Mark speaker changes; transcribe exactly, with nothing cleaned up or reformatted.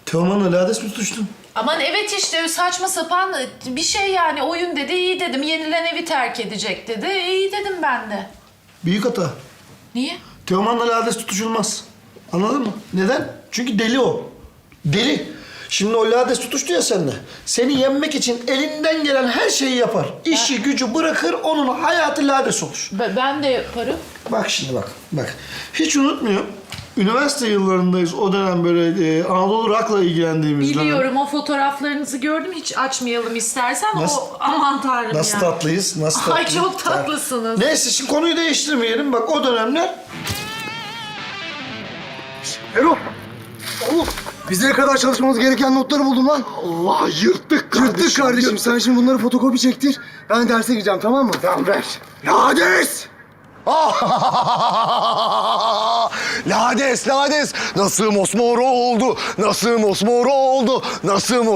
Speaker 1: Teoman'la Lades mi tutuştun?
Speaker 2: Aman evet işte saçma sapan bir şey yani oyun dedi iyi dedim. Yenilen evi terk edecek dedi. İyi dedim ben de.
Speaker 1: Büyük hata.
Speaker 2: Niye?
Speaker 1: Teoman'la Lades tutuşulmaz. Anladın mı? Neden? Çünkü deli o. Deli. Şimdi o Lades tutuştu ya seninle. Seni yenmek için elinden gelen her şeyi yapar. İşi gücü bırakır, onun hayatı Lades olur.
Speaker 2: Be- ben de yaparım.
Speaker 1: Bak şimdi bak, bak. Hiç unutmuyorum. Üniversite yıllarındayız. O dönem böyle e, Anadolu Rock'la ilgilendiğimiz dönem.
Speaker 2: Biliyorum o fotoğraflarınızı gördüm. Hiç açmayalım istersen.
Speaker 1: Nasıl-
Speaker 2: O aman tanrım
Speaker 1: Nasıl
Speaker 2: ya.
Speaker 1: tatlıyız, nasıl
Speaker 2: Ay,
Speaker 1: tatlıyız.
Speaker 2: çok tatlısınız.
Speaker 1: Neyse şimdi konuyu değiştirmeyelim. Bak o dönemler... Erol! Oğlum!
Speaker 3: Biz ne kadar çalışmamız gereken notları buldum lan.
Speaker 1: Allah yırttık kardeşim.
Speaker 3: Yırttık kardeşim.
Speaker 1: yırttık.
Speaker 3: Sen şimdi bunları fotokopi çektir. Ben derse gireceğim, tamam mı?
Speaker 1: Tamam ver.
Speaker 3: Lades! Lades, Lades. Nasıl mosmoro oldu? Nasıl mosmoro oldu? Nasıl